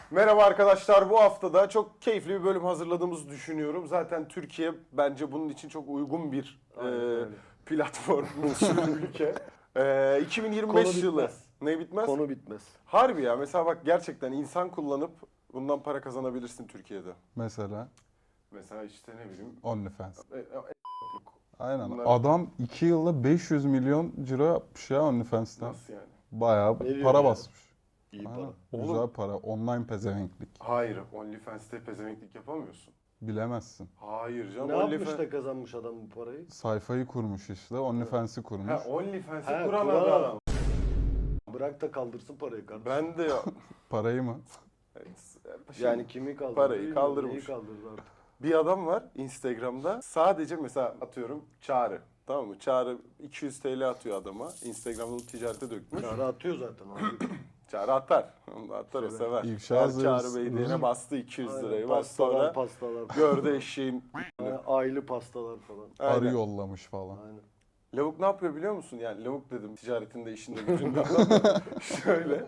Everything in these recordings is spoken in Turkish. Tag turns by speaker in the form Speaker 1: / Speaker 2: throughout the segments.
Speaker 1: Merhaba arkadaşlar, bu hafta da çok keyifli bir bölüm hazırladığımızı düşünüyorum. Zaten Türkiye bence bunun için çok uygun bir platform, bir ülke. 2025
Speaker 2: Konu
Speaker 1: yılı.
Speaker 2: bitmez.
Speaker 1: Ne bitmez?
Speaker 2: Konu bitmez.
Speaker 1: Harbi ya, mesela bak gerçekten insan kullanıp bundan para kazanabilirsin Türkiye'de.
Speaker 3: Mesela
Speaker 1: Mesela işte ne bileyim.
Speaker 3: OnlyFans.
Speaker 1: Aynen.
Speaker 3: Aynen. Adam 2 yılda 500 milyon ciro yapmış ya OnlyFans'ten.
Speaker 1: Nasıl yani?
Speaker 3: Bayağı
Speaker 2: Ne diyor
Speaker 3: para
Speaker 2: ya?
Speaker 3: basmış.
Speaker 2: İyi
Speaker 3: Aynen.
Speaker 2: para.
Speaker 3: Güzel para. Online pezevenklik.
Speaker 1: Hayır, OnlyFans'te pezevenklik yapamıyorsun.
Speaker 3: Bilemezsin.
Speaker 1: Hayır canım.
Speaker 2: Ne yapmış da kazanmış adam bu parayı?
Speaker 3: Sayfayı kurmuş işte. OnlyFans'i kurmuş.
Speaker 1: Ha, OnlyFans'i
Speaker 2: Ha,
Speaker 1: kuran
Speaker 2: kuran
Speaker 1: adam.
Speaker 2: adam. Bırak da kaldırsın parayı kardeşim.
Speaker 1: Ben de ya.
Speaker 3: Parayı mı?
Speaker 2: Yani kimi kaldırdı?
Speaker 1: Parayı
Speaker 2: bilmiyorum,
Speaker 1: kaldırmış.
Speaker 2: neyi kaldırdı artık?
Speaker 1: Bir adam var Instagram'da, sadece mesela atıyorum Çağrı, tamam mı? Çağrı 200 TL atıyor adama, Instagram'da bu ticarete dökmüş.
Speaker 2: Çağrı atıyor zaten. Abi.
Speaker 1: Çağrı atar, onu da atar, o sever.
Speaker 3: İfşa
Speaker 1: Her
Speaker 3: hazırız.
Speaker 1: Çağrı Bey diyene bastı 200
Speaker 2: Aynen,
Speaker 1: lirayı, bak
Speaker 2: pastalar,
Speaker 1: sonra
Speaker 2: pastalar.
Speaker 1: gördü eşeğin.
Speaker 2: Aylı pastalar falan.
Speaker 3: Arı
Speaker 1: Aynen.
Speaker 3: yollamış falan.
Speaker 2: Aynen.
Speaker 1: Lavuk ne yapıyor biliyor musun? Yani lavuk dedim, ticaretinde, işinde, gücünde adam. Şöyle.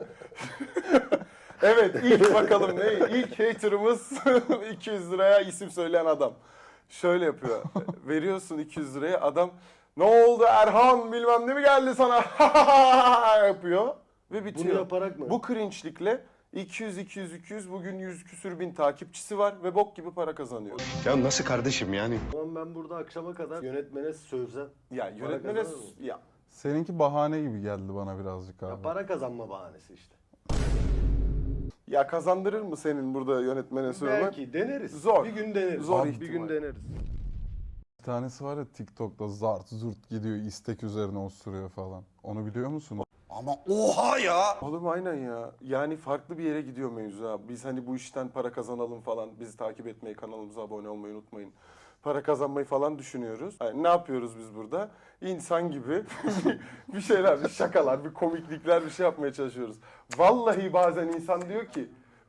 Speaker 1: Evet, ilk bakalım ne? İlk haterımız 200 liraya isim söyleyen adam. Şöyle yapıyor. Veriyorsun 200 liraya, adam ne oldu Erhan bilmem ne mi geldi sana yapıyor ve bitiyor.
Speaker 2: Bunu yaparak mı?
Speaker 1: Bu cringe'likle 200 bugün 100 küsür bin takipçisi var ve bok gibi para kazanıyor.
Speaker 4: Ya nasıl kardeşim yani?
Speaker 2: Tamam, ben burada akşama kadar yönetmene sövsem.
Speaker 1: Ya yönetmene
Speaker 2: kazanır mı?
Speaker 1: ya
Speaker 3: Seninki bahane gibi geldi bana birazcık abi.
Speaker 2: Ya para kazanma bahanesi işte.
Speaker 1: ya kazandırır mı senin burada yönetmene söylemek?
Speaker 2: Belki deneriz.
Speaker 1: Zor.
Speaker 2: Bir gün deneriz.
Speaker 1: Zor
Speaker 2: Bir
Speaker 1: ihtimal.
Speaker 2: gün deneriz.
Speaker 3: Bir tanesi var ya TikTok'ta zart zurt gidiyor, istek üzerine osuruyor falan. Onu biliyor musun?
Speaker 4: Ama oha ya!
Speaker 1: Oğlum aynen ya. Yani farklı bir yere gidiyor mevzu abi. Biz hani bu işten para kazanalım falan. Bizi takip etmeyi, kanalımıza abone olmayı unutmayın. Para kazanmayı falan düşünüyoruz. Yani ne yapıyoruz biz burada? İnsan gibi bir şeyler, bir şakalar, bir komiklikler, bir şey yapmaya çalışıyoruz. Vallahi bazen insan diyor ki,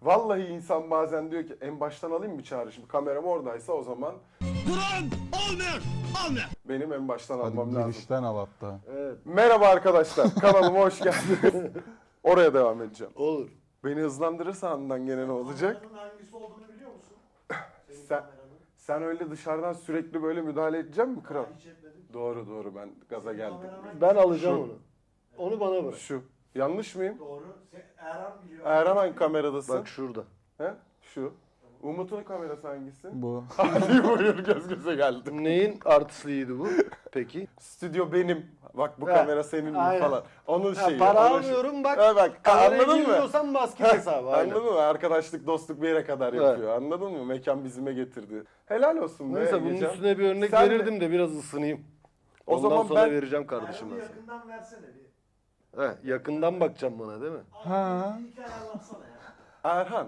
Speaker 1: bazen diyor ki en baştan alayım mı Çağrı? Şimdi kameram oradaysa o zaman
Speaker 4: Durun! Olmuyor! Olmuyor!
Speaker 1: benim en baştan
Speaker 3: Hadi
Speaker 1: almam lazım.
Speaker 3: girişten al hatta.
Speaker 2: Evet.
Speaker 1: Merhaba arkadaşlar, kanalıma hoş geldiniz. Oraya devam edeceğim.
Speaker 2: Olur.
Speaker 1: Beni hızlandırırsan andan gene ne olacak?
Speaker 5: Kameranın hangisi olduğunu biliyor musun? Senin
Speaker 1: Sen-
Speaker 5: kameranın.
Speaker 1: Sen öyle dışarıdan sürekli böyle müdahale edecek mi kral?
Speaker 5: Hiç etmedim.
Speaker 1: Doğru ben gaza geldim.
Speaker 5: Kameran
Speaker 2: Ben alacağım
Speaker 1: Şu.
Speaker 2: onu. Onu bana bırak.
Speaker 1: Şu. Yanlış mıyım?
Speaker 5: doğru. Erhan biliyor.
Speaker 1: Erhan hangi kameradasın?
Speaker 2: Bak şurada.
Speaker 1: He? Şu. Umut'un kamerası hangisi?
Speaker 3: Bu.
Speaker 1: Hadi buyur, göz göze geldim.
Speaker 2: Neyin artistliydi bu? Peki.
Speaker 1: Stüdyo benim. Bak bu
Speaker 2: Ha,
Speaker 1: kamera senin mi
Speaker 2: aynen.
Speaker 1: falan. Onun şeyi.
Speaker 2: Para
Speaker 1: onun şeyi.
Speaker 2: almıyorum bak.
Speaker 1: Ha, bak
Speaker 2: Kameraya
Speaker 1: anladın mı?
Speaker 2: girmiyorsan basket hesabı. Aynen.
Speaker 1: Anladın mı? Arkadaşlık, dostluk bir yere kadar
Speaker 2: Evet.
Speaker 1: yapıyor. Anladın mı? Mekan bizime getirdi. Helal olsun be
Speaker 2: Neyse bunun
Speaker 1: Egecan.
Speaker 2: üstüne bir örnek
Speaker 1: Sen de-
Speaker 2: verirdim de biraz ısınayım.
Speaker 1: O
Speaker 2: Ondan
Speaker 1: zaman
Speaker 2: sonra
Speaker 1: ben-
Speaker 2: vereceğim kardeşim
Speaker 5: Erhan'ı
Speaker 2: ben sana.
Speaker 5: yakından versene bir.
Speaker 2: Yakından bakacağım bana değil mi?
Speaker 3: Ha.
Speaker 5: Bir hikaye anlatsana ya.
Speaker 1: Erhan,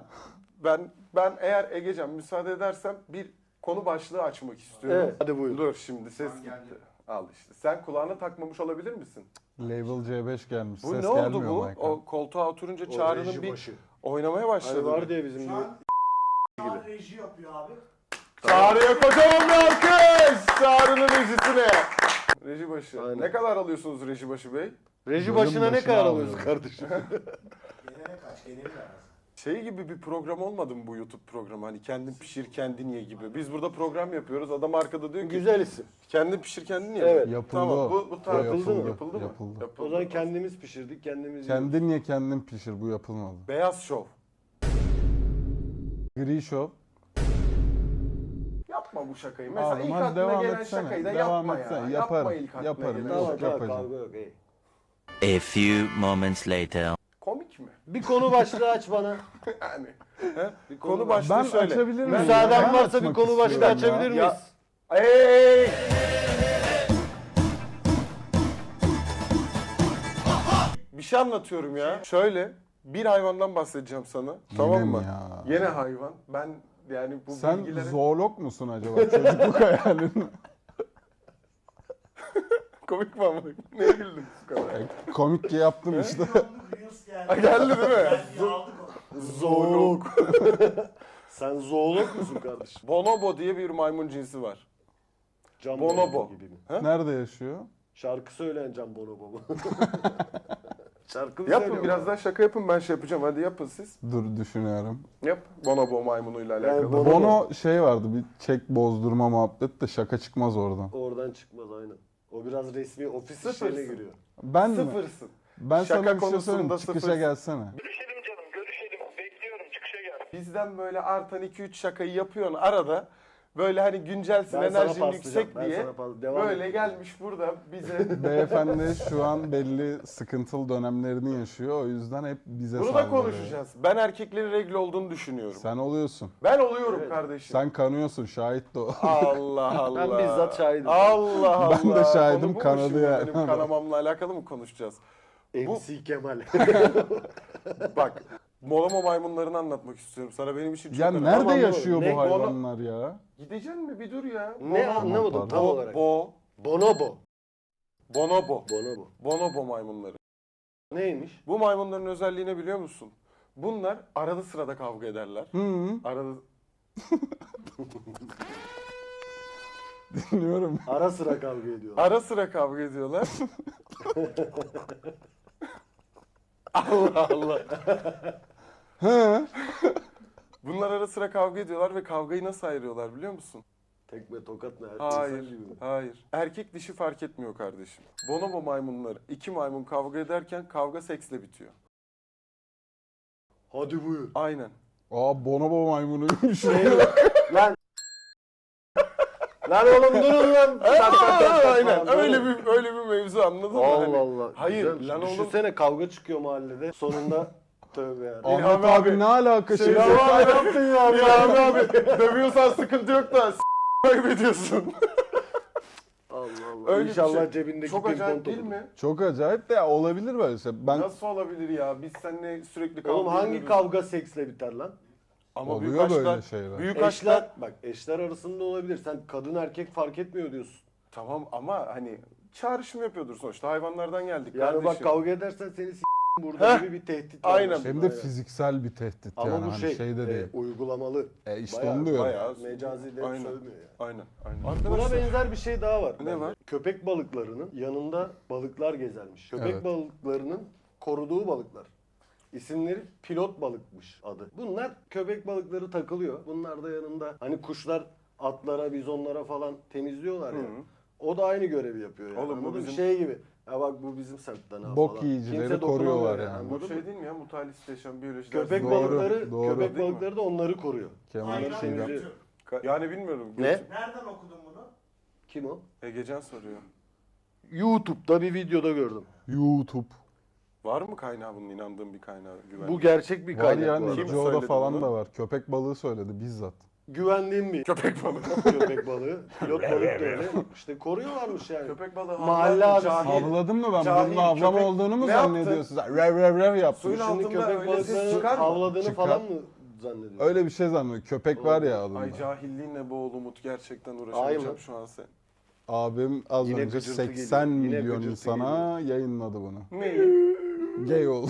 Speaker 1: ben eğer Egecan müsaade edersem bir konu başlığı açmak istiyorum.
Speaker 2: Evet. Hadi buyur.
Speaker 1: Dur şimdi ses gitti. Al işte. Sen kulağına takmamış olabilir misin?
Speaker 3: Label C5 gelmiş.
Speaker 1: Bu
Speaker 3: Ses
Speaker 1: ne oldu
Speaker 3: gelmiyor
Speaker 1: bu?
Speaker 3: Michael.
Speaker 1: O koltuğa oturunca
Speaker 2: O
Speaker 1: Çağrı'nın
Speaker 2: reji
Speaker 1: bir
Speaker 2: başı.
Speaker 1: oynamaya başladı.
Speaker 2: Hani var diye bizim
Speaker 5: Şu
Speaker 2: bir...
Speaker 5: an Çağrı reji yapıyor abi.
Speaker 1: Çağrı'ya kocaman bir alkış! Çağrı'nın rejisine. Reji başı.
Speaker 2: Aynen.
Speaker 1: Ne kadar alıyorsunuz reji başı bey?
Speaker 2: Reji
Speaker 3: Bölüm
Speaker 2: başına ne
Speaker 3: başına
Speaker 2: kadar
Speaker 3: alıyorum.
Speaker 2: alıyorsun kardeşim?
Speaker 5: Genele kaç? Geneli lazım.
Speaker 1: Şey gibi bir program olmadı mı bu YouTube programı? Hani kendin pişir kendin ye gibi. Biz burada program yapıyoruz. Adam arkada diyor ki
Speaker 2: Güzel isim.
Speaker 1: kendin pişir kendin ye.
Speaker 2: Evet.
Speaker 3: Yapıldı
Speaker 1: Tamam
Speaker 3: o.
Speaker 1: bu tarz
Speaker 2: Yapıldı mı?
Speaker 1: Yapıldı mı?
Speaker 3: Yapıldı.
Speaker 2: O zaman kendimiz pişirdik, kendimiz yiyoruz.
Speaker 3: Kendin ye kendin pişir, bu yapılmadı.
Speaker 1: Beyaz şov.
Speaker 3: Gri Show.
Speaker 1: Yapma bu şakayı. Mesela
Speaker 3: Abi,
Speaker 1: ilk
Speaker 3: hadi
Speaker 1: aklına
Speaker 3: devam
Speaker 1: gelen
Speaker 3: etsene.
Speaker 1: şakayı da
Speaker 3: Devam
Speaker 1: yapma
Speaker 3: etsene.
Speaker 1: ya.
Speaker 3: Yaparım,
Speaker 1: Yapma ilk aklına
Speaker 3: yaparım.
Speaker 1: gelen
Speaker 2: Tamam
Speaker 3: Yok,
Speaker 1: şakayı.
Speaker 2: tamam
Speaker 3: yapacağım.
Speaker 2: kavga yok.
Speaker 6: A few moments later.
Speaker 1: Komik mi?
Speaker 2: Bir konu başlığı aç bana.
Speaker 1: Yani. He? Bir konu başlığı
Speaker 3: Ben
Speaker 1: şöyle.
Speaker 3: açabilir miyim?
Speaker 2: Müsaaden
Speaker 3: Ben
Speaker 2: varsa bir
Speaker 3: açmak
Speaker 2: konu başlığı
Speaker 3: istiyorum ya.
Speaker 2: açabilir
Speaker 1: Ya-
Speaker 2: miyiz?
Speaker 1: Ey! Bir şey anlatıyorum ya. Şöyle bir hayvandan bahsedeceğim sana. Tamam
Speaker 3: mi
Speaker 1: mı?
Speaker 3: ya?
Speaker 1: Yine hayvan. Ben yani bu
Speaker 3: Sen
Speaker 1: bilgilere...
Speaker 3: zoolog musun acaba? Çocukluk hayalin.
Speaker 1: Komik mi ama? Neye güldün bu kadar?
Speaker 3: Komik ki yaptım işte.
Speaker 5: Yolluk Reels geldi.
Speaker 1: Ha, geldi değil mi?
Speaker 5: Geldi, aldık onu.
Speaker 1: Zoolog.
Speaker 2: Sen zoolog musun kardeşim?
Speaker 1: Bonobo diye bir maymun cinsi var.
Speaker 2: Can
Speaker 1: Bonobo.
Speaker 2: Bonobo gibi mi?
Speaker 3: Nerede yaşıyor?
Speaker 2: Şarkı söyleyen Can Bonobo mu? Şarkı mı
Speaker 1: Yapın
Speaker 2: söylüyor
Speaker 1: biraz
Speaker 2: bu?
Speaker 1: daha şaka yapın, ben şey yapacağım. Hadi yapın siz.
Speaker 3: Dur düşünüyorum.
Speaker 1: Yap. Bonobo maymunuyla
Speaker 2: Yani
Speaker 1: alakalı.
Speaker 2: Bonobo-
Speaker 3: Bono şey vardı, bir çek bozdurma muhabbet de şaka çıkmaz oradan.
Speaker 2: Oradan çıkmaz aynen. O biraz resmi ofis
Speaker 1: Sıfırsın.
Speaker 2: işlerine giriyor.
Speaker 3: Ben mi?
Speaker 1: Sıfırsın.
Speaker 3: Ben
Speaker 1: Şaka
Speaker 3: sana bir şey
Speaker 1: konusunda
Speaker 3: söyleyeyim. Çıkışa
Speaker 1: sıfırsın.
Speaker 3: gelsene.
Speaker 1: Bizden böyle artan 2-3 şakayı yapıyorsun arada. Böyle hani güncelsin,
Speaker 2: Ben sana
Speaker 1: enerjin
Speaker 2: paslayacağım,
Speaker 1: yüksek
Speaker 2: ben
Speaker 1: diye.
Speaker 2: sana devam
Speaker 1: Böyle
Speaker 2: et.
Speaker 1: gelmiş burada bize.
Speaker 3: Beyefendi şu an belli sıkıntılı dönemlerini yaşıyor. O yüzden hep bize
Speaker 1: Bunu da
Speaker 3: saldırıyor.
Speaker 1: konuşacağız. Ben erkeklerin regl olduğunu düşünüyorum.
Speaker 3: Sen oluyorsun.
Speaker 1: Ben oluyorum
Speaker 2: Evet.
Speaker 1: kardeşim.
Speaker 3: Sen kanıyorsun, şahit de o.
Speaker 1: Allah Allah.
Speaker 2: Ben bizzat şahidim.
Speaker 1: Allah Allah.
Speaker 3: Ben de şahidim,
Speaker 1: Konu bu mu
Speaker 3: kanadı
Speaker 1: şimdi?
Speaker 3: yani.
Speaker 1: Benim kanamamla alakalı mı konuşacağız?
Speaker 2: MC Kemal.
Speaker 1: Bak, Molama maymunlarını anlatmak istiyorum sana. Benim için çok
Speaker 3: Ya
Speaker 1: önemli.
Speaker 3: nerede
Speaker 2: Tamam,
Speaker 3: yaşıyor
Speaker 2: ne?
Speaker 3: bu hayvanlar ya?
Speaker 1: Gideceksin mi? Bir dur ya.
Speaker 2: Ne anlamadım
Speaker 3: pardon.
Speaker 2: tam olarak.
Speaker 1: Bonobo.
Speaker 2: Bonobo.
Speaker 1: Bonobo maymunları.
Speaker 2: Neymiş?
Speaker 1: Bu maymunların özelliği ne biliyor musun? Bunlar arada sırada kavga ederler.
Speaker 3: Hı,
Speaker 1: Arada...
Speaker 2: Dinliyorum. Ara sıra kavga ediyorlar.
Speaker 1: Ara sıra kavga ediyorlar. Allah Allah.
Speaker 3: Hı.
Speaker 1: Bunlar ara sıra kavga ediyorlar ve kavgayı nasıl ayırıyorlar biliyor musun?
Speaker 2: Tekme tokat ne?
Speaker 1: Hayır,
Speaker 2: İnsan gibi mi?
Speaker 1: hayır. Erkek dişi fark etmiyor kardeşim. Bonobo maymunları, iki maymun kavga ederken kavga seksle bitiyor.
Speaker 2: Hadi buyur.
Speaker 1: Aynen.
Speaker 3: Aa, bonobo maymunuymuş.
Speaker 2: Lan. Lan oğlum durun lan.
Speaker 1: Aynen. Öyle bir mevzu anladın mı?
Speaker 2: Allah
Speaker 1: Hani-
Speaker 2: Allah.
Speaker 1: Hayır,
Speaker 2: Güzel.
Speaker 1: lan oğlum.
Speaker 2: Düşünsene kavga çıkıyor mahallede. Sonunda tövbe ya.
Speaker 3: Ahmet
Speaker 1: İlhami
Speaker 3: abi,
Speaker 1: abi.
Speaker 3: ne alaka
Speaker 1: Şey,
Speaker 3: şimdi?
Speaker 1: ya abi ne yaptın ya? İlhami abi. Dövüyorsan sıkıntı yok da kaybediyorsun.
Speaker 2: Allah Allah.
Speaker 1: Öyle bir
Speaker 2: İnşallah
Speaker 1: şey.
Speaker 2: cebindeki
Speaker 1: Çok
Speaker 2: pimpon
Speaker 1: acayip
Speaker 2: topu.
Speaker 1: değil mi?
Speaker 3: Çok acayip de ya, olabilir böyle şey. Ben
Speaker 1: Nasıl olabilir ya? Biz seninle sürekli kavga
Speaker 2: Oğlum hangi
Speaker 1: ediyoruz.
Speaker 2: kavga seksle biter lan?
Speaker 1: Ama
Speaker 3: Oluyor
Speaker 1: büyük
Speaker 3: böyle
Speaker 1: aşklar,
Speaker 3: şeyler.
Speaker 1: büyük
Speaker 2: Eşler,
Speaker 1: aşklar
Speaker 2: bak eşler arasında olabilir. Sen kadın erkek fark etmiyor diyorsun.
Speaker 1: tamam ama hani çağrışım yapıyordur sonuçta. Hayvanlardan geldik
Speaker 2: Yani
Speaker 1: kardeşim.
Speaker 2: bak kavga edersen seni burada
Speaker 1: Heh,
Speaker 2: gibi bir tehdit var.
Speaker 1: aynen.
Speaker 3: hem de fiziksel bir tehdit
Speaker 2: Ama
Speaker 3: yani,
Speaker 2: bu
Speaker 3: hani
Speaker 2: şey,
Speaker 3: şeyde değil.
Speaker 2: uygulamalı.
Speaker 3: İşte
Speaker 2: Bayağı-
Speaker 3: onu diyorum.
Speaker 1: bayağı-
Speaker 2: Mecazi de
Speaker 1: Aynen.
Speaker 2: sövmüyor yani.
Speaker 1: Aynen, aynen.
Speaker 2: Buna
Speaker 1: Arkadaşlar
Speaker 2: benzer bir şey daha var.
Speaker 1: Ne
Speaker 2: bence.
Speaker 1: var?
Speaker 2: Köpek balıklarının yanında balıklar gezermiş. Köpek
Speaker 3: Evet.
Speaker 2: balıklarının koruduğu balıklar. İsimleri pilot balıkmış adı. Bunlar köpek balıkları takılıyor. Bunlar da yanında hani kuşlar atlara, bizonlara falan temizliyorlar ya.
Speaker 1: Hı.
Speaker 2: O da aynı görevi yapıyor yani.
Speaker 1: Oğlum bu
Speaker 2: Anladın mı?
Speaker 1: bizim-
Speaker 2: Şey gibi. Ya bak bu bizim semtten ha
Speaker 3: Bok
Speaker 2: falan.
Speaker 3: yiyicileri
Speaker 2: Kimse dokunamıyor
Speaker 3: koruyorlar yani.
Speaker 2: anladın
Speaker 1: bu
Speaker 2: mı?
Speaker 1: şey değil mi ya? Mutualist yaşam biyoloji
Speaker 2: Köpek
Speaker 1: dersi.
Speaker 3: Doğru,
Speaker 2: balıkları,
Speaker 3: doğru.
Speaker 2: köpek
Speaker 1: Değil mi?
Speaker 2: balıkları da onları koruyor.
Speaker 3: Kemal
Speaker 5: Aynen
Speaker 3: şeyden.
Speaker 2: Şimdi-
Speaker 5: Gökçe.
Speaker 1: Yani bilmiyorum.
Speaker 2: Ne?
Speaker 5: Nereden okudun bunu?
Speaker 2: Kim o?
Speaker 1: Egecan soruyor.
Speaker 2: YouTube'da bir videoda gördüm.
Speaker 3: YouTube.
Speaker 1: Var mı kaynağı bunun, inandığın bir kaynağı güvenli?
Speaker 2: Bu gerçek bir
Speaker 3: Var
Speaker 2: kaynak
Speaker 3: yani,
Speaker 2: bu arada.
Speaker 1: Kim
Speaker 3: Joe'da
Speaker 1: söyledi
Speaker 3: falan
Speaker 1: bunu?
Speaker 3: da var. Köpek balığı söyledi bizzat.
Speaker 2: Güvendiğim bir
Speaker 1: Köpek balığı.
Speaker 2: köpek balığı. Pilot balık da öyle. İşte koruyorlarmış yani.
Speaker 1: Köpek balığı
Speaker 2: Mahalle
Speaker 1: havlar,
Speaker 2: abisi.
Speaker 1: cahil.
Speaker 3: Havladın mı ben?
Speaker 1: Cahil,
Speaker 3: Bunun havlama
Speaker 1: köpek-
Speaker 3: olduğunu mu
Speaker 1: Ne yaptın?
Speaker 3: zannediyorsun? Rev rev rev yaptım.
Speaker 1: Suyun
Speaker 2: Şimdi
Speaker 1: altında
Speaker 2: köpek
Speaker 1: öyle ses
Speaker 2: balıklarının
Speaker 1: çıkar mı?
Speaker 2: havladığını
Speaker 3: Çıkar.
Speaker 2: falan mı zannediyorsun?
Speaker 3: Öyle bir şey zannediyor. Köpek var ya adında.
Speaker 1: Ay cahilliğinle boğul Umut, gerçekten
Speaker 2: Ay
Speaker 1: uğraşamayacağım
Speaker 2: mı?
Speaker 1: şu an sen.
Speaker 3: Abim az
Speaker 2: Yine
Speaker 3: önce
Speaker 2: gıcırtı
Speaker 3: 80
Speaker 2: geliyor. Yine
Speaker 3: milyon
Speaker 2: gıcırtı
Speaker 3: insana yayınladı bunu.
Speaker 1: Neyi?
Speaker 3: Gay oldu.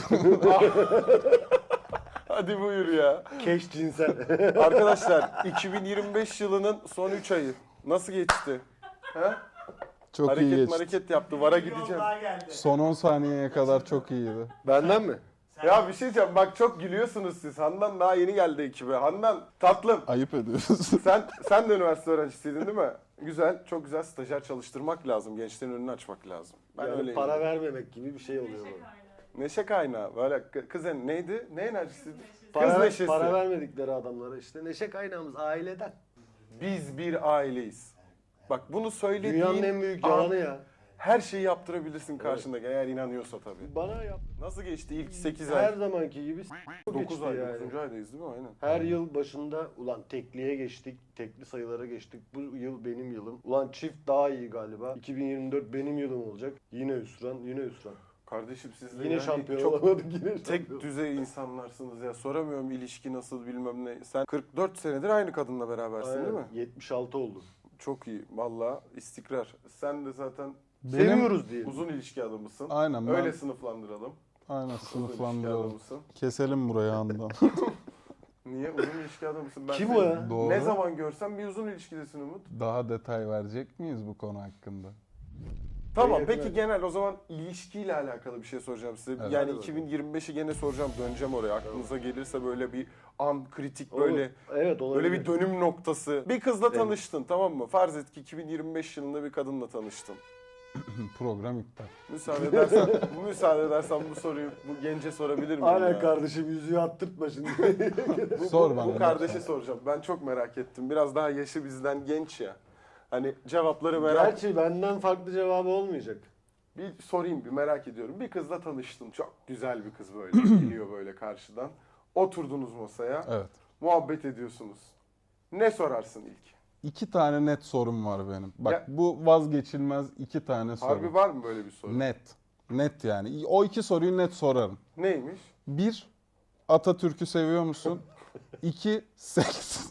Speaker 1: Hadi buyur ya.
Speaker 2: Keş cinsel.
Speaker 1: Arkadaşlar 2025 yılının son 3 ayı nasıl geçti? Ha?
Speaker 3: Çok iyi
Speaker 1: Hareket
Speaker 3: geçti.
Speaker 1: hareket yaptı. Vara
Speaker 5: Bir yol
Speaker 1: gideceğim.
Speaker 5: daha geldi.
Speaker 3: Son 10 saniyeye kadar çok iyiydi.
Speaker 2: Benden mi?
Speaker 1: Ya bir şey diyeceğim. Bak çok gülüyorsunuz siz. Handan daha yeni geldi ekibe. Handan tatlım.
Speaker 3: Ayıp ediyorsun.
Speaker 1: Sen de üniversite öğrencisiydin değil mi? Güzel, çok güzel, stajyer çalıştırmak lazım. Gençlerin önünü açmak lazım. Ben
Speaker 2: Yani
Speaker 1: öyleyim.
Speaker 2: para vermemek gibi bir şey oluyor bu.
Speaker 1: Neşe kaynağı. Böyle kız neydi? Ne enerjisiydi? Kız
Speaker 2: Para,
Speaker 1: neşesi.
Speaker 2: para vermedikleri adamlara işte neşe kaynağımız aileden.
Speaker 1: Biz bir aileyiz. Bak bunu söylediğin
Speaker 2: Dünyanın en büyük
Speaker 1: an
Speaker 2: yalanı ya.
Speaker 1: her şeyi yaptırabilirsin karşındaki eğer inanıyorsa tabii.
Speaker 2: Bana yap.
Speaker 1: Nasıl geçti ilk 8
Speaker 2: Her
Speaker 1: ay?
Speaker 2: zamanki gibi
Speaker 1: 9
Speaker 2: geçti
Speaker 1: ay,
Speaker 2: yani.
Speaker 1: 9. aydayız değil mi? Aynen.
Speaker 2: Her yıl başında ulan tekliye geçtik, tekli sayılara geçtik. Bu yıl benim yılım. Ulan çift daha iyi galiba. 2024 benim yılım olacak. Yine hüsran, yine hüsran.
Speaker 1: Kardeşim siz de
Speaker 2: Yine
Speaker 1: yani
Speaker 2: şampiyon
Speaker 1: çok
Speaker 2: olamadık yine.
Speaker 1: tek
Speaker 2: şampiyon.
Speaker 1: düzey insanlarsınız ya. Soramıyorum ilişki nasıl bilmem ne. Sen 44 senedir aynı kadınla berabersin değil mi?
Speaker 2: Aynen, 76 oldu.
Speaker 1: Çok iyi. Valla istikrar. Sen de zaten
Speaker 2: Seviyoruz diye.
Speaker 1: uzun ilişki adamısın.
Speaker 3: Aynen ben
Speaker 1: Öyle sınıflandıralım.
Speaker 3: aynen
Speaker 1: Uzun ilişki
Speaker 3: sınıflandıralım.
Speaker 1: adamısın.
Speaker 3: Keselim burayı andan.
Speaker 1: Niye? Uzun ilişki adamısın. Ben
Speaker 2: Kim
Speaker 1: seni
Speaker 2: o ya?
Speaker 3: Doğru.
Speaker 1: Ne zaman görsem bir uzun ilişkidesin Umut.
Speaker 3: Daha detay verecek miyiz bu konu hakkında?
Speaker 1: Tamam
Speaker 2: yakın
Speaker 1: peki
Speaker 2: abi.
Speaker 1: genel o zaman ilişkiyle alakalı bir şey soracağım size.
Speaker 3: Evet.
Speaker 1: Yani
Speaker 2: Hadi bakalım.
Speaker 1: 2025'i gene soracağım, döneceğim oraya. Aklınıza gelirse böyle bir an, kritik
Speaker 2: Olur.
Speaker 1: böyle
Speaker 2: Evet olabilir.
Speaker 1: böyle bir dönüm noktası. Bir kızla
Speaker 2: Evet.
Speaker 1: tanıştın, tamam mı? Farz et ki 2025 yılında bir kadınla tanıştın.
Speaker 3: Program iptal.
Speaker 1: Müsaade edersen bu soruyu bu gence sorabilir miyim
Speaker 2: Aynen
Speaker 1: ya?
Speaker 2: kardeşim yüzüğü attırtma şimdi.
Speaker 3: Sor bana.
Speaker 1: Bu kardeşe soracağım. Ben çok merak ettim. Biraz daha yaşı bizden genç ya. Hani cevapları
Speaker 2: Gerçi benden farklı cevabı olmayacak.
Speaker 1: Bir sorayım, bir merak ediyorum. Bir kızla tanıştın. Çok güzel bir kız böyle geliyor böyle karşıdan. Oturdunuz masaya.
Speaker 3: Evet.
Speaker 1: Muhabbet ediyorsunuz. Ne sorarsın ilk?
Speaker 3: 2 tane net sorum var benim. Bak
Speaker 1: Ya-
Speaker 3: bu vazgeçilmez 2 tane soru.
Speaker 1: Harbi var mı böyle bir soru?
Speaker 3: Net. Net yani. O 2 soruyu net sorarım.
Speaker 1: Neymiş?
Speaker 3: 1. Atatürk'ü seviyor musun? 2. Seks.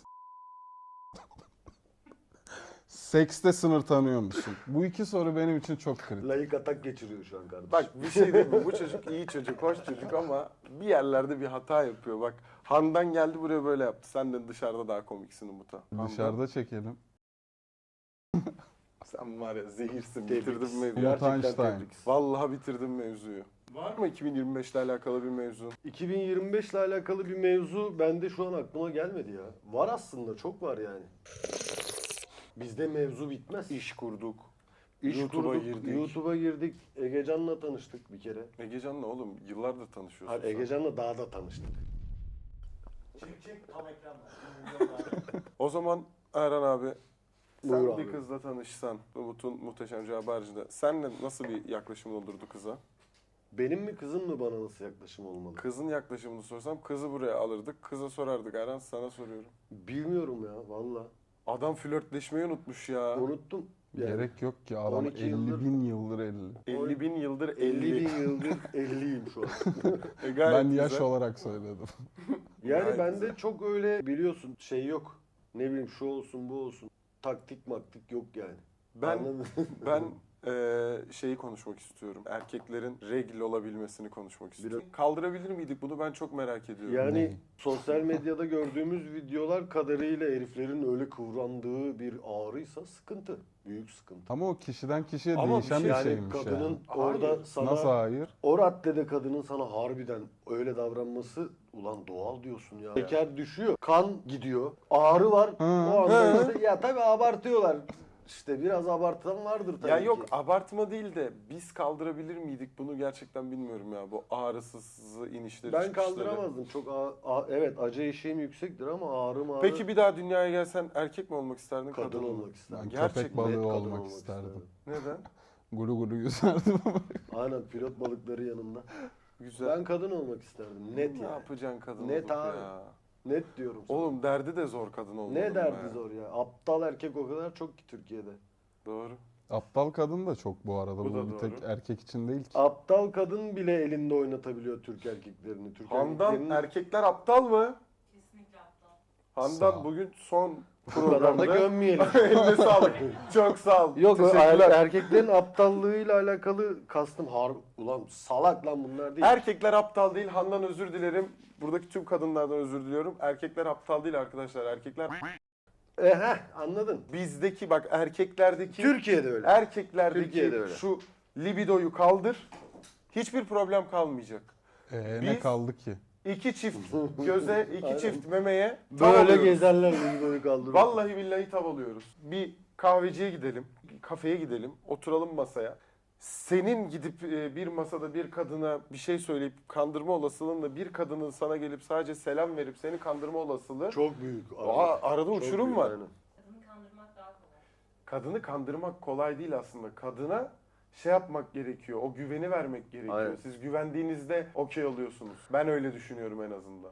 Speaker 3: Sekste sınır tanıyor musun? Bu 2 soru benim için çok kritik.
Speaker 2: Layık atak geçiriyor şu an kardeşim.
Speaker 1: Bak bir şey diyeyim mi? Bu çocuk iyi çocuk, hoş çocuk ama bir yerlerde bir hata yapıyor. Bak Handan geldi buraya böyle yaptı. Sen de dışarıda daha komiksin Umut'a. Handan,
Speaker 3: Dışarıda çekelim.
Speaker 1: sen var ya zehirsin.
Speaker 2: Tebriks.
Speaker 1: Bitirdin mevzuyu.
Speaker 3: Umut
Speaker 2: Gerçekten
Speaker 3: Einstein.
Speaker 2: tebriks.
Speaker 1: Vallahi bitirdin mevzuyu. Var mı 2025 ile alakalı bir mevzu?
Speaker 2: 2025 ile alakalı bir mevzu bende şu an aklıma gelmedi ya. Var aslında, çok var yani. Bizde mevzu bitmez.
Speaker 1: İş kurduk.
Speaker 2: İş
Speaker 1: YouTube'a
Speaker 2: kurduk,
Speaker 1: girdik.
Speaker 2: YouTube'a girdik. Egecan'la tanıştık bir kere.
Speaker 1: Egecan'la oğlum yıllardır tanışıyorsun.
Speaker 2: Hayır,
Speaker 1: sen.
Speaker 2: Egecan'la dağda tanıştık.
Speaker 5: Çek tam ekranda.
Speaker 1: O zaman Erhan abi sen
Speaker 2: Buyur
Speaker 1: bir
Speaker 2: abi.
Speaker 1: kızla tanışsan Umut'un muhteşem cevabı haricinde senle nasıl bir yaklaşımın olurdu kıza?
Speaker 2: Benim mi kızım mı bana nasıl yaklaşım olmalı?
Speaker 1: Kızın yaklaşımını sorsam kızı buraya alırdık. Kıza sorardık Erhan sana soruyorum.
Speaker 2: Bilmiyorum ya valla.
Speaker 1: Adam flörtleşmeyi unutmuş ya.
Speaker 2: Unuttum. Yani
Speaker 3: Gerek yok ki adam
Speaker 2: 12
Speaker 3: 50
Speaker 2: yıldır-
Speaker 3: bin yıldır 50.
Speaker 1: 50 bin yıldır
Speaker 2: 50 bin yıldır 50'yim şu an.
Speaker 1: Gayet
Speaker 3: Ben yaş
Speaker 1: güzel.
Speaker 3: olarak söyledim.
Speaker 2: Yani
Speaker 1: Gayet
Speaker 2: bende
Speaker 1: güzel.
Speaker 2: çok öyle biliyorsun şey yok. Ne bileyim şu olsun bu olsun. Taktik maktik yok yani.
Speaker 1: Ben
Speaker 2: Anladın mı?
Speaker 1: ben şeyi konuşmak istiyorum. Erkeklerin regl olabilmesini konuşmak istiyorum. Kaldırabilir miydik bunu ben çok merak ediyorum.
Speaker 2: Yani
Speaker 3: Ne?
Speaker 2: sosyal medyada gördüğümüz videolar kadarıyla heriflerin öyle kıvrandığı bir ağrıysa sıkıntı. Büyük sıkıntı.
Speaker 3: Ama o kişiden kişiye
Speaker 1: Ama
Speaker 3: değişen
Speaker 1: bir
Speaker 3: bir
Speaker 1: şey-
Speaker 2: Yani
Speaker 3: şeymiş
Speaker 2: kadının
Speaker 3: yani.
Speaker 2: orada
Speaker 1: Hayır.
Speaker 2: sana
Speaker 3: Nasıl hayır?
Speaker 2: o raddede kadının sana harbiden öyle davranması ulan doğal diyorsun ya. Şeker düşüyor, kan gidiyor, ağrı var.
Speaker 3: Hı.
Speaker 2: O anda işte ya tabii abartıyorlar. İşte biraz abartılan vardır tabii
Speaker 1: Ya yok
Speaker 2: ki.
Speaker 1: abartma değil de biz kaldırabilir miydik bunu gerçekten bilmiyorum ya. Bu ağrısız inişleri
Speaker 2: Ben
Speaker 1: çıkışları.
Speaker 2: kaldıramazdım. Çok evet acı eşiğim yüksektir ama ağrı mağrı
Speaker 1: Peki bir daha dünyaya gelsen erkek mi olmak isterdin
Speaker 2: kadın
Speaker 1: mı?
Speaker 2: olmak isterdim.
Speaker 3: Ben
Speaker 1: Gerçek
Speaker 3: köpek
Speaker 1: mi?
Speaker 3: balığı
Speaker 2: Net kadın
Speaker 3: olmak isterdim.
Speaker 1: Neden?
Speaker 3: Gulu gulu yüzerdim ama.
Speaker 2: Aynen pilot balıkları yanında.
Speaker 1: Güzel.
Speaker 2: Ben kadın olmak isterdim. Net
Speaker 1: ne
Speaker 2: yani.
Speaker 1: yapacaksın kadın
Speaker 2: Net
Speaker 1: olup
Speaker 2: abi.
Speaker 1: ya?
Speaker 2: Net diyorum sana.
Speaker 1: Oğlum derdi de zor kadın olmanın.
Speaker 2: Ne derdi
Speaker 1: be.
Speaker 2: zor ya. Aptal erkek o kadar çok ki Türkiye'de.
Speaker 1: Doğru.
Speaker 3: Aptal kadın da çok bu arada.
Speaker 1: Bu
Speaker 3: Bu,
Speaker 1: da
Speaker 3: bir tek
Speaker 1: doğru.
Speaker 3: erkek için değil ki.
Speaker 2: Aptal kadın bile elinde oynatabiliyor Türk erkeklerini. Türk
Speaker 1: Handan
Speaker 2: erkeklerinin
Speaker 1: erkekler aptal mı?
Speaker 7: Kesinlikle aptal.
Speaker 1: Handan
Speaker 3: Sağ ol.
Speaker 1: bugün son
Speaker 2: bu kadar da
Speaker 1: programda.
Speaker 2: gömmeyelim.
Speaker 1: Eline sağlık. Çok sağ ol.
Speaker 2: Yok
Speaker 1: Teşekkürler.
Speaker 2: erkeklerin aptallığıyla alakalı kastım ulan salak lan bunlar değil.
Speaker 1: Erkekler aptal değil. Handan özür dilerim. Buradaki tüm kadınlardan özür diliyorum. Erkekler aptal değil arkadaşlar. Erkekler
Speaker 2: Anladın.
Speaker 1: bizdeki bak erkeklerdeki
Speaker 2: Türkiye'de öyle.
Speaker 1: erkeklerdeki
Speaker 2: Türkiye'de öyle.
Speaker 1: şu libidoyu kaldır. Hiçbir problem kalmayacak.
Speaker 3: Ne
Speaker 1: Biz-
Speaker 3: kaldı ki?
Speaker 1: İki çift göze, iki
Speaker 2: Aynen.
Speaker 1: çift memeye
Speaker 2: Böyle
Speaker 1: tavalıyoruz.
Speaker 2: gezerler libidoyu kaldırıyor.
Speaker 1: Vallahi billahi tavalıyoruz. Bir kahveciye gidelim, bir kafeye gidelim, oturalım masaya. Senin gidip bir masada bir kadına bir şey söyleyip kandırma olasılığınla bir kadının sana gelip sadece selam verip seni kandırma olasılığı
Speaker 2: Çok büyük.
Speaker 1: arada
Speaker 2: Çok
Speaker 1: uçurum
Speaker 2: büyük,
Speaker 1: var.
Speaker 2: aynen.
Speaker 7: Kadını kandırmak daha kolay.
Speaker 1: Kadını kandırmak kolay değil aslında. Kadına şey yapmak gerekiyor. O güveni vermek gerekiyor.
Speaker 2: Aynen.
Speaker 1: Siz güvendiğinizde okey oluyorsunuz. Ben öyle düşünüyorum en azından.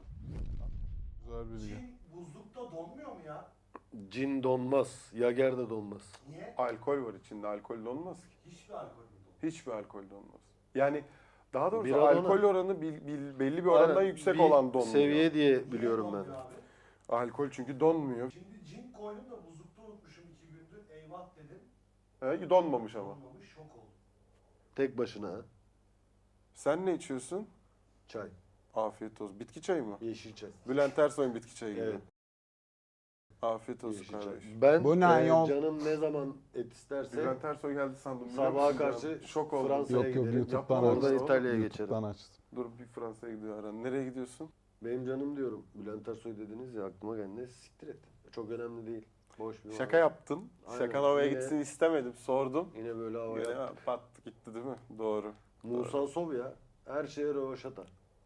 Speaker 3: Güzel bilgi.
Speaker 5: Cin buzlukta donmuyor mu ya?
Speaker 2: Cin donmaz. Yager de donmaz.
Speaker 5: Niye?
Speaker 1: Alkol var içinde. Alkol de olmaz ki.
Speaker 5: Hiçbir alkol mü
Speaker 1: Hiçbir alkol de olmaz. Yani daha doğrusu
Speaker 2: Bira donu.
Speaker 1: alkol oranı belli bir orandan
Speaker 2: Aynen,
Speaker 1: yüksek
Speaker 2: bir
Speaker 1: olan donmuyor.
Speaker 2: seviye diye
Speaker 5: Niye
Speaker 2: biliyorum ben.
Speaker 5: donmuyor abi?
Speaker 1: Alkol çünkü donmuyor.
Speaker 5: Şimdi cin koydum da buzlukta unutmuşum 2 gündür. Eyvah dedim.
Speaker 1: Donmamış ama.
Speaker 5: Olmamış şok oldum.
Speaker 2: Tek başına ha.
Speaker 1: Sen ne içiyorsun?
Speaker 2: Çay.
Speaker 1: Afiyet olsun. Bitki çayı mı?
Speaker 2: Yeşil çay.
Speaker 1: Bülent Ersoy'un bitki çayı gibi.
Speaker 2: Evet.
Speaker 1: Afiyet olsun
Speaker 2: Yaşayacak.
Speaker 1: kardeşim.
Speaker 2: Ben
Speaker 3: Bu ne yol?
Speaker 2: canım ne zaman et isterse
Speaker 1: Bülent Ersoy geldi sandım. biliyor
Speaker 2: sabaha
Speaker 1: musun
Speaker 2: karşı
Speaker 1: ya? Şok oldum.
Speaker 2: Fransa'ya
Speaker 3: Yok yok
Speaker 2: giderim.
Speaker 3: YouTube'dan
Speaker 1: Yapma,
Speaker 3: açtım.
Speaker 2: oradan
Speaker 1: oğlum.
Speaker 2: İtalya'ya
Speaker 3: YouTube'dan
Speaker 2: geçerim.
Speaker 3: açtım.
Speaker 1: Dur bir Fransa'ya gidiyor Aran. Nereye gidiyorsun?
Speaker 2: Benim canım diyorum. Bülent Ersoy dediniz ya aklıma geldi. Neyse siktir et. Çok önemli değil. Boş bir
Speaker 1: Şaka
Speaker 2: muhabbet.
Speaker 1: yaptın.
Speaker 2: Aynen.
Speaker 1: Şakan havaya
Speaker 2: Yine-
Speaker 1: gitsin istemedim. Sordum.
Speaker 2: Yine böyle hava
Speaker 1: Yine
Speaker 2: yaptı.
Speaker 1: pat gitti değil mi? Doğru.
Speaker 2: Musa Sov ya. Her şeye rövaşata.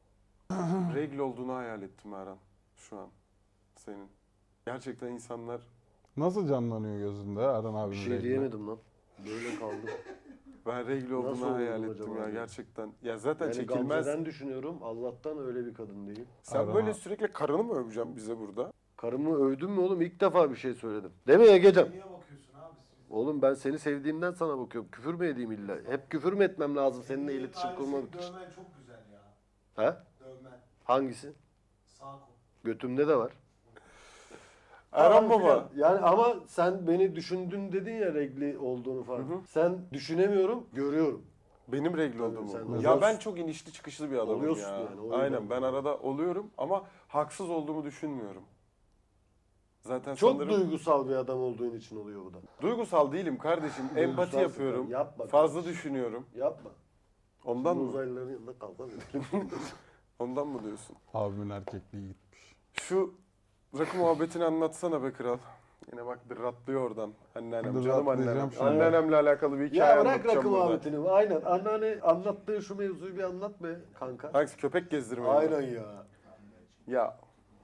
Speaker 1: Regl olduğunu hayal ettim Aran. Şu an. Senin. Gerçekten insanlar
Speaker 3: Nasıl canlanıyor gözünde Eren
Speaker 2: Bir
Speaker 3: abinin
Speaker 2: şey
Speaker 3: regli?
Speaker 2: diyemedim lan. Böyle kaldım.
Speaker 1: ben regl
Speaker 2: Nasıl
Speaker 1: olduğunu hayal
Speaker 2: oldum
Speaker 1: ettim
Speaker 2: acaba
Speaker 1: ya
Speaker 2: ya?
Speaker 1: gerçekten. Ya zaten
Speaker 2: Yani
Speaker 1: çekilmez.
Speaker 2: Gamze'den düşünüyorum. Allah'tan öyle bir kadın değil.
Speaker 1: Sen
Speaker 3: Aran
Speaker 1: böyle
Speaker 3: abi.
Speaker 1: sürekli karını mı öveceksin bize burada?
Speaker 2: Karımı övdün mü oğlum? İlk defa bir şey söyledim. Değil mi Ege'cim?
Speaker 5: Niye bakıyorsun abi siz?
Speaker 2: Oğlum ben seni sevdiğimden sana bakıyorum. Küfür mü edeyim illa? Hep küfür mü etmem lazım seninle
Speaker 5: Senin
Speaker 2: iletişim
Speaker 5: ailesini
Speaker 2: kurmak için?
Speaker 5: Dövmen çok güzel ya.
Speaker 2: He?
Speaker 5: Dövmen.
Speaker 2: Hangisi?
Speaker 5: Sağ kol.
Speaker 2: Götümde de var.
Speaker 1: Erhan
Speaker 2: Falan
Speaker 1: Baba.
Speaker 2: filan. Yani ama sen beni düşündün dedin ya regli olduğunu falan. Sen düşünemiyorum, görüyorum.
Speaker 1: Benim regl
Speaker 2: Tabii
Speaker 1: olduğumu.
Speaker 2: sen
Speaker 1: Ya
Speaker 2: oluyorsun.
Speaker 1: ben çok inişli çıkışlı bir adamım
Speaker 2: Oluyorsun
Speaker 1: ya.
Speaker 2: yani, o yüzden.
Speaker 1: Aynen ben arada oluyorum ama haksız olduğumu düşünmüyorum. Zaten
Speaker 2: Çok
Speaker 1: sanırım
Speaker 2: duygusal bir adam olduğun için oluyor bu da.
Speaker 1: duygusal değilim kardeşim. Empati
Speaker 2: Duygusalsın
Speaker 1: yapıyorum.
Speaker 2: tabii, yapma
Speaker 1: Fazla
Speaker 2: kardeşim.
Speaker 1: düşünüyorum.
Speaker 2: Yapma.
Speaker 1: Ondan
Speaker 2: Şimdi
Speaker 1: mı?
Speaker 2: uzaylıların yanında kavga mı edelim?
Speaker 1: Ondan mı diyorsun?
Speaker 3: Abimin erkekliği gitmiş.
Speaker 1: Şu rakı muhabbetini anlatsana be kral. Yine bak ratlıyor oradan. Anneannem, canım anneannem.
Speaker 3: Dırratlayacağım şimdi.
Speaker 1: Anneannemle alakalı bir hikaye
Speaker 2: Ya bırak
Speaker 1: anlatacağım
Speaker 2: rakı
Speaker 1: burada.
Speaker 2: muhabbetini. Aynen. Anneanne anlattığı şu mevzuyu bir anlat be kanka.
Speaker 1: Hangisi? Köpek gezdirmeyi mi?
Speaker 2: Aynen ya.
Speaker 1: Ya.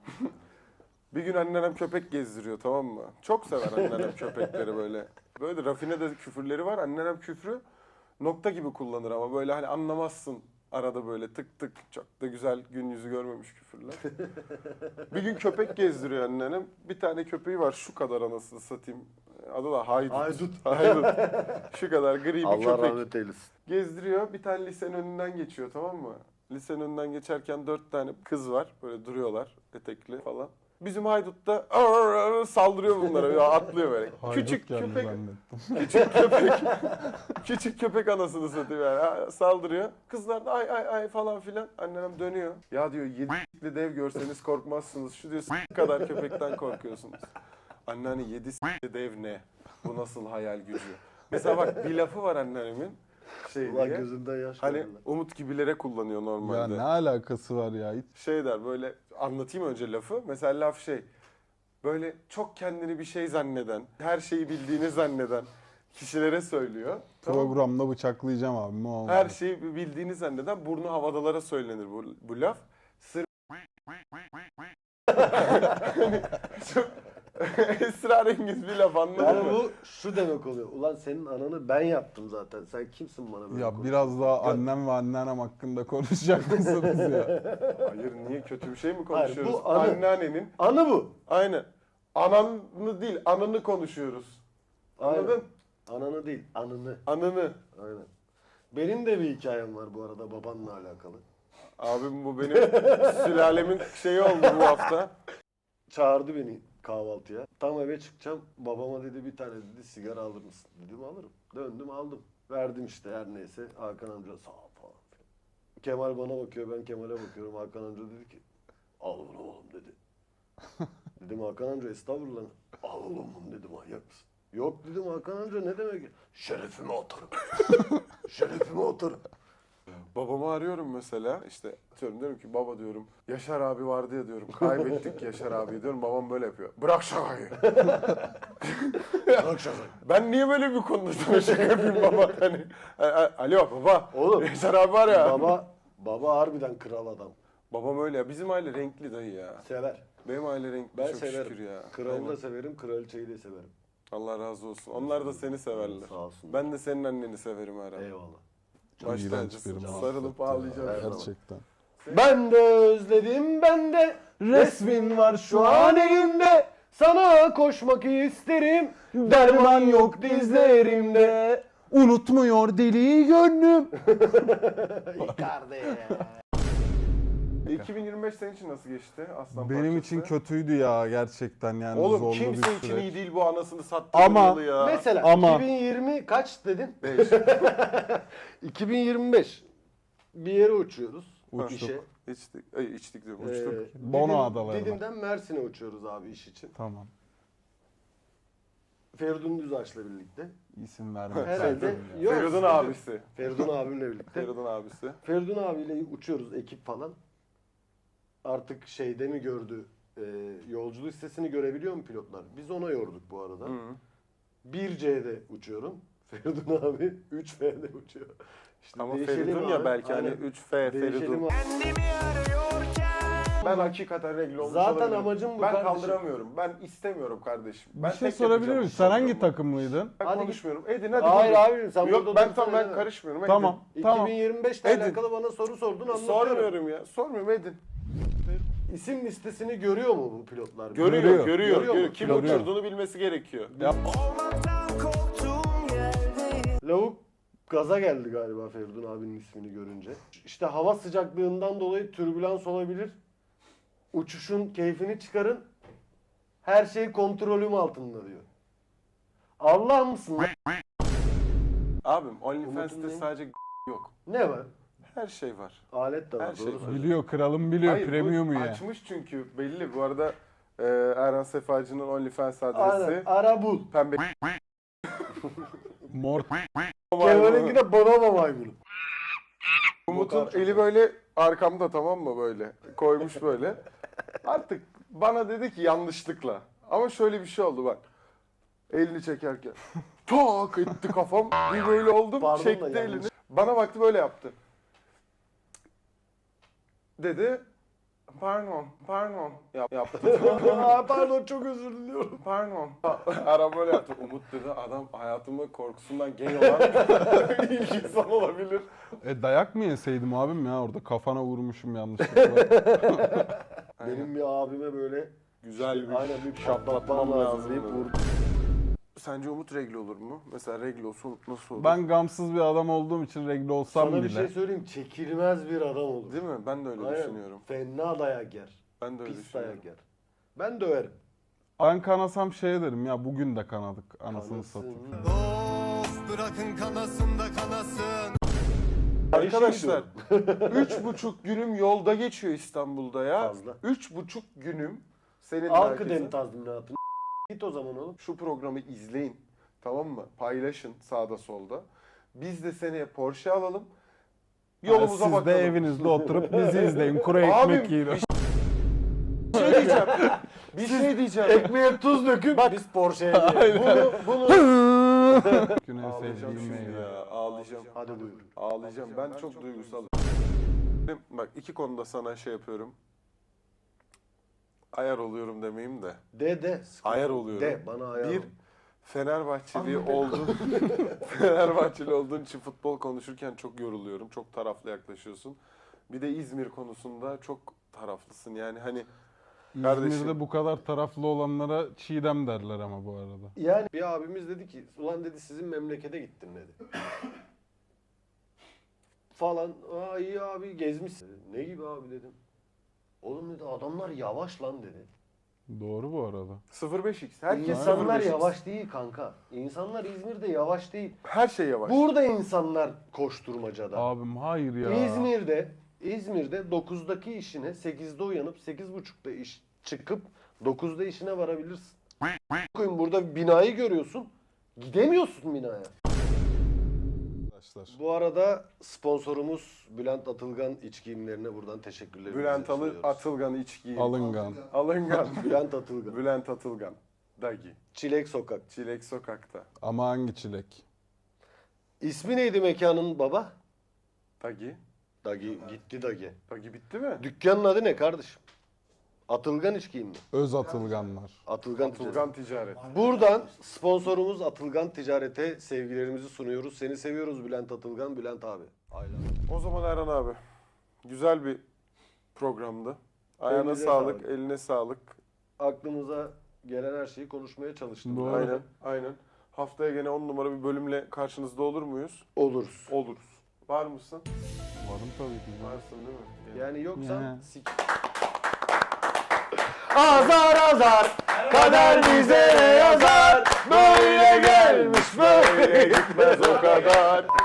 Speaker 1: Bir gün anneannem köpek gezdiriyor tamam mı? Çok sever anneannem köpekleri böyle. Böyle rafine de küfürleri var. Anneannem küfrü nokta gibi kullanır ama böyle hani anlamazsın. Arada böyle tık tık çok da güzel gün yüzü görmemiş küfürler. Bir gün köpek gezdiriyor anneannem. Bir tane köpeği var şu kadar anasını satayım. Adı da Haydut.
Speaker 2: Haydut.
Speaker 1: Haydut. Şu kadar gri bir
Speaker 2: Allah
Speaker 1: köpek.
Speaker 2: rahmet eylesin.
Speaker 1: Gezdiriyor. Bir tane lisenin önünden geçiyor tamam mı? Lisenin önünden geçerken 4 tane kız var. Böyle duruyorlar etekli falan. Bizim haydut da saldırıyor bunlara. Ya atlıyor böyle.
Speaker 3: Haydut
Speaker 1: Küçük
Speaker 3: geldi
Speaker 1: köpek,
Speaker 3: zannettim.
Speaker 1: küçük köpek. Küçük köpek anasını satıyor yani. Ha, saldırıyor. Kızlar da ay ay ay falan filan. Annem dönüyor. Ya diyor 7'li dev görseniz korkmazsınız. Şu diyor kadar köpekten korkuyorsunuz. Anneanne 7 dev ne? Bu nasıl hayal gücü? Mesela bak bir lafı var anneannemin. Şey
Speaker 2: Ulan
Speaker 1: diye.
Speaker 2: gözünden yaş
Speaker 1: Hani
Speaker 2: geldi lan.
Speaker 1: Umut gibilere kullanıyor
Speaker 3: Ya
Speaker 1: normalde.
Speaker 3: ne alakası var ya? Hiç
Speaker 1: Şey der böyle anlatayım önce lafı. Mesela laf şey böyle çok kendini bir şey zanneden, her şeyi bildiğini zanneden kişilere söylüyor. Tamam mı?
Speaker 3: programda bıçaklayacağım abimi olmadı.
Speaker 1: Her şeyi bildiğini zanneden burnu havadalara söylenir bu laf. Sır Hani çok esrarengiz bir laf anladın
Speaker 2: Yani
Speaker 1: mı?
Speaker 2: bu şu demek oluyor. Ulan senin ananı ben yaptım zaten. Sen kimsin bana böyle
Speaker 3: Ya
Speaker 2: konuşuyorsun?
Speaker 3: biraz daha annem ve anneannem hakkında konuşacak mısınız ya?
Speaker 1: Hayır niye kötü bir şey mi
Speaker 2: Hayır,
Speaker 1: konuşuyoruz?
Speaker 2: bu anı.
Speaker 1: Anneannenin
Speaker 2: Anı bu.
Speaker 1: aynen. Ananı değil anını konuşuyoruz. Anladın?
Speaker 2: Aynen. Ananı değil, anını.
Speaker 1: Anını.
Speaker 2: Aynen. Benim de bir hikayem var bu arada babanla alakalı.
Speaker 1: Abim bu benim sülalemin şeyi oldu bu hafta.
Speaker 2: Çağırdı beni kahvaltıya. Tam eve çıkacağım. Babama dedi bir tane dedi sigara alır mısın? Dedim alırım. Döndüm aldım. Verdim işte her neyse. Hakan amca sağ ol falan. Kemal bana bakıyor, ben Kemal'e bakıyorum. Hakan amca dedi ki al bunu oğlum dedi. Dedim Hakan amca estağfurullah. Al oğlum bunu dedi manyak mısın? Yok dedim Hakan amca ne demek? Şerefime atarım. Şerefime atarım.
Speaker 1: Babamı arıyorum mesela işte diyorum ki baba diyorum Yaşar abi vardı ya diyorum kaybettik Yaşar abi diyorum babam böyle yapıyor. Bırak şakayı.
Speaker 2: Bırak şakayı.
Speaker 1: Ben niye böyle bir konuda sana şaka yapayım baba hani alo baba.
Speaker 2: Oğlum.
Speaker 1: Yaşar abi var ya.
Speaker 2: Baba harbiden kral adam.
Speaker 1: Babam öyle ya bizim aile renkli dayı ya.
Speaker 2: Sever.
Speaker 1: Benim aile renkli
Speaker 2: Ben
Speaker 1: çok
Speaker 2: severim.
Speaker 1: şükür ya.
Speaker 2: Kralı
Speaker 1: Aynen.
Speaker 2: da severim, kraliçeyi de severim.
Speaker 1: Allah razı olsun. Onlar da seni severler.
Speaker 2: Sağ olsun.
Speaker 1: Ben de senin anneni severim herhalde.
Speaker 2: Eyvallah.
Speaker 1: Baş
Speaker 3: İğrenç
Speaker 1: tacısın.
Speaker 3: bir
Speaker 1: Sarılıp
Speaker 3: muhabbet ya,
Speaker 1: ağlayacağım.
Speaker 3: Gerçekten.
Speaker 2: Ben de özledim ben de resmin var şu an elimde. Sana koşmak isterim. Derman yok dizlerimde.
Speaker 3: Unutmuyor deli gönlüm.
Speaker 2: Icardi.
Speaker 1: 2025 senin için nasıl geçti Aslan
Speaker 3: Benim
Speaker 1: Parçası?
Speaker 3: için kötüydü ya gerçekten yani
Speaker 1: Oğlum
Speaker 3: zorlu
Speaker 1: kimse
Speaker 3: bir
Speaker 1: için
Speaker 3: süreç.
Speaker 1: iyi değil bu anasını sattı
Speaker 3: Ama-
Speaker 1: yılı ya.
Speaker 2: Mesela
Speaker 3: Ama-
Speaker 2: 2020 kaç dedin?
Speaker 1: 5.
Speaker 2: 2025 bir yere uçuyoruz.
Speaker 3: Uçtuk.
Speaker 2: İşe.
Speaker 1: İçtik. Ay içtik diyorum uçtuk.
Speaker 3: Bono adalarına.
Speaker 2: Didim'den Mersin'e uçuyoruz abi iş için.
Speaker 3: Tamam.
Speaker 2: Feridun Düzaç'la birlikte.
Speaker 3: İsim vermek
Speaker 2: Herhalde.
Speaker 3: lazım ya.
Speaker 2: Yok,
Speaker 1: Feridun abisi.
Speaker 2: Feridun abimle birlikte.
Speaker 1: Feridun abisi.
Speaker 2: Feridun abiyle uçuyoruz ekip falan. Artık şeyde mi gördü? Yolcu listesini görebiliyor mu pilotlar? Biz ona yorduk bu arada.
Speaker 1: Hı.
Speaker 2: 1C'de uçuyorum. Feridun abi 3F'de uçuyor. İşte
Speaker 1: Ama
Speaker 2: değişelim
Speaker 1: Feridun ya
Speaker 2: abi.
Speaker 1: belki hani
Speaker 2: Aynen.
Speaker 1: 3F
Speaker 2: Değişelim
Speaker 1: Feridun.
Speaker 2: abi.
Speaker 1: Ben hakikaten regl olmuş
Speaker 2: Zaten
Speaker 1: olabilirim.
Speaker 2: amacım bu
Speaker 1: Ben
Speaker 2: kardeşim.
Speaker 1: kaldıramıyorum. Ben istemiyorum kardeşim. Ben
Speaker 3: Bir şey
Speaker 1: tek
Speaker 3: sorabilir
Speaker 1: yapacağım
Speaker 3: miyim?
Speaker 1: iş
Speaker 3: Sen hangi
Speaker 1: oluyorum.
Speaker 3: takımlıydın?
Speaker 1: Ben
Speaker 2: Hadi
Speaker 1: konuşmuyorum. Edin hadi.
Speaker 2: Hayır
Speaker 1: buyurun.
Speaker 2: abi sen
Speaker 1: Yok
Speaker 2: burada
Speaker 1: ben
Speaker 2: dursana
Speaker 1: tamam ben
Speaker 2: ya.
Speaker 1: karışmıyorum. Edin.
Speaker 3: Tamam. Tamam.
Speaker 2: 2025 ile
Speaker 1: Edin.
Speaker 2: alakalı bana soru sordun anlatıyorum.
Speaker 1: Sormuyorum ya. Sormuyorum edin.
Speaker 2: İsim listesini görüyor mu bu pilotlar?
Speaker 1: Görüyor,
Speaker 3: Görüyor.
Speaker 1: görüyor.
Speaker 2: Görüyor mu?
Speaker 1: Kim
Speaker 3: Görüyor.
Speaker 1: uçurduğunu bilmesi gerekiyor.
Speaker 2: Lavuk gaza geldi galiba Feridun abinin ismini görünce. İşte hava sıcaklığından dolayı türbülans olabilir. Uçuşun keyfini çıkarın. Her şey kontrolüm altında diyor. Allah mısın lan?
Speaker 1: Abim OnlyFans'te
Speaker 2: Umut'un
Speaker 1: sadece yok.
Speaker 2: Ne var?
Speaker 1: Her şey var.
Speaker 2: Alet de var.
Speaker 1: Her şey
Speaker 2: doğru
Speaker 1: var.
Speaker 2: söylüyorsun.
Speaker 3: Biliyor, kralım biliyor.
Speaker 1: Hayır,
Speaker 3: Premium'u
Speaker 1: bu
Speaker 3: ya.
Speaker 1: açmış çünkü belli. Bu arada Erhan Sefacı'nın OnlyFans
Speaker 2: Aynen.
Speaker 1: adresi
Speaker 2: Ara bul.
Speaker 1: pembe
Speaker 3: Mor.
Speaker 2: Kemal'inki de Bonomo maymunu.
Speaker 1: Umut'un eli böyle arkamda, tamam mı, böyle koymuş böyle. Artık bana dedi ki yanlışlıkla. Ama şöyle bir şey oldu bak. Elini çekerken tak etti kafam. Bir böyle oldum.
Speaker 2: Pardon da
Speaker 1: çekti
Speaker 2: yanlış.
Speaker 1: elini. Bana baktı böyle yaptı. Dedi. Pardon. Yaptı.
Speaker 2: Aa, pardon çok özür diliyorum.
Speaker 1: Pardon. Aram böyle yaptı. Umut dedi adam hayatımı korkusundan gay olan ilk insan olabilir.
Speaker 3: Dayak mı yeseydim abim ya orada kafana vurmuşum yanlışlıkla.
Speaker 2: Benim bir abime böyle
Speaker 1: Güzel bir
Speaker 2: aynen bir
Speaker 1: şaplatmam
Speaker 2: şaplatmam lazım
Speaker 1: lazım
Speaker 2: deyip
Speaker 1: dedi.
Speaker 2: vurdu.
Speaker 1: Sence Umut regl olur mu? Mesela regl olsa Umut nasıl olur?
Speaker 3: Ben gamsız bir adam olduğum için regle olsam
Speaker 2: Sana bir
Speaker 3: bile.
Speaker 2: şey söyleyeyim, çekilmez bir adam olur.
Speaker 1: Değil mi? Ben de öyle
Speaker 2: Aynen.
Speaker 1: düşünüyorum.
Speaker 2: Fena dayak yer.
Speaker 1: Ben de öyle
Speaker 2: Pis
Speaker 1: düşünüyorum.
Speaker 2: dayak yer. Ben döverim.
Speaker 3: Ben kanasam şey derim ya bugün de kanadık anasını
Speaker 2: Kanasın.
Speaker 3: satayım.
Speaker 4: Bırakın kanasın da kanasın.
Speaker 1: Arkadaşlar 3,5 günüm yolda geçiyor İstanbul'da ya.
Speaker 2: Fazla.
Speaker 1: 3,5 günüm senin
Speaker 2: Al
Speaker 1: herkesin.
Speaker 2: kıdem tazminatını. Git o zaman oğlum.
Speaker 1: Şu programı izleyin. Tamam mı? Paylaşın sağda solda. Biz de seneye Porsche alalım. Yolumuza
Speaker 3: Siz
Speaker 1: bakalım.
Speaker 3: de evinizde oturup bizi izleyin. Kuru ekmek
Speaker 1: Abim,
Speaker 3: yiyin.
Speaker 1: Bir şey diyeceğim. Bir şey diyeceğim.
Speaker 2: Ekmeğe tuz döküp biz Porsche'ye gidelim.
Speaker 1: Bunu
Speaker 3: Gün en
Speaker 1: ağlayacağım
Speaker 3: sevdiğim
Speaker 1: şimdi
Speaker 3: meyve.
Speaker 1: ya. Ağlayacağım.
Speaker 2: Hadi buyurun.
Speaker 1: Ağlayacağım. Ben çok duygusalım. Bak iki konuda sana şey yapıyorum. Ayar oluyorum demeyeyim de.
Speaker 2: De.
Speaker 1: Ayar oluyorum.
Speaker 2: De bana ayar
Speaker 1: Bir
Speaker 2: ol.
Speaker 1: Fenerbahçeli oldun. Fenerbahçeli olduğun için futbol konuşurken çok yoruluyorum. Çok taraflı yaklaşıyorsun. Bir de İzmir konusunda çok taraflısın. Yani hani kardeşim.
Speaker 3: İzmir'de bu kadar taraflı olanlara Çiğdem derler ama bu arada.
Speaker 2: Yani bir abimiz dedi ki ulan dedi sizin memlekete gittim dedi. Falan. Aa iyi abi gezmişsin. Ne gibi abi dedim. Oğlum dedi adamlar yavaş lan dedi.
Speaker 3: Doğru bu arada.
Speaker 1: 05x. Herkes
Speaker 2: İnsanlar
Speaker 1: 05x.
Speaker 2: yavaş değil kanka. İnsanlar İzmir'de yavaş değil.
Speaker 1: Her şey yavaş.
Speaker 2: Burada insanlar koşturmacada.
Speaker 3: Abim hayır ya.
Speaker 2: İzmir'de 9'daki işine 8'de uyanıp 8.30'da iş çıkıp 9'da işine varabilirsin. Koyun burada binayı görüyorsun. Gidemiyorsun binaya.
Speaker 3: Arkadaşlar.
Speaker 2: Bu arada sponsorumuz Bülent Atılgan iç giyimlerine buradan teşekkürlerimizi
Speaker 1: Bülent
Speaker 2: sunuyoruz.
Speaker 1: Atılgan içki.
Speaker 3: Alıngan.
Speaker 1: Alıngan.
Speaker 2: Bülent Atılgan.
Speaker 1: Bülent Atılgan. Dagi.
Speaker 2: Çilek Sokak.
Speaker 1: Çilek Sokak'ta.
Speaker 3: Ama hangi çilek?
Speaker 2: İsmi neydi mekanın baba?
Speaker 1: Dagi.
Speaker 2: Dagi. Gitti Dagi.
Speaker 1: Dagi bitti mi?
Speaker 2: Dükkanın adı ne kardeşim? Atılgan iç giyim mi?
Speaker 3: Öz atılganlar.
Speaker 2: Atılgan Ticaret.
Speaker 1: Atılgan Ticaret.
Speaker 2: Buradan sponsorumuz Atılgan Ticaret'e sevgilerimizi sunuyoruz. Seni seviyoruz Bülent Atılgan, Bülent abi. Aynen.
Speaker 1: O zaman Erhan abi. Güzel bir programdı. Ayağına
Speaker 2: Elinize
Speaker 1: sağlık,
Speaker 2: sağlık.
Speaker 1: eline sağlık.
Speaker 2: Aklımıza gelen her şeyi konuşmaya çalıştım.
Speaker 3: Doğru.
Speaker 1: Aynen, aynen. Haftaya gene 10 numara bir bölümle karşınızda olur muyuz?
Speaker 2: Oluruz.
Speaker 1: Oluruz. Var mısın?
Speaker 3: Varım tabii ki.
Speaker 1: Varsın değil mi?
Speaker 2: Yani yoksa
Speaker 3: Ya.
Speaker 2: Azar azar kader bize yazar. Böyle gelmiş böyle
Speaker 1: Gitmez o kadar.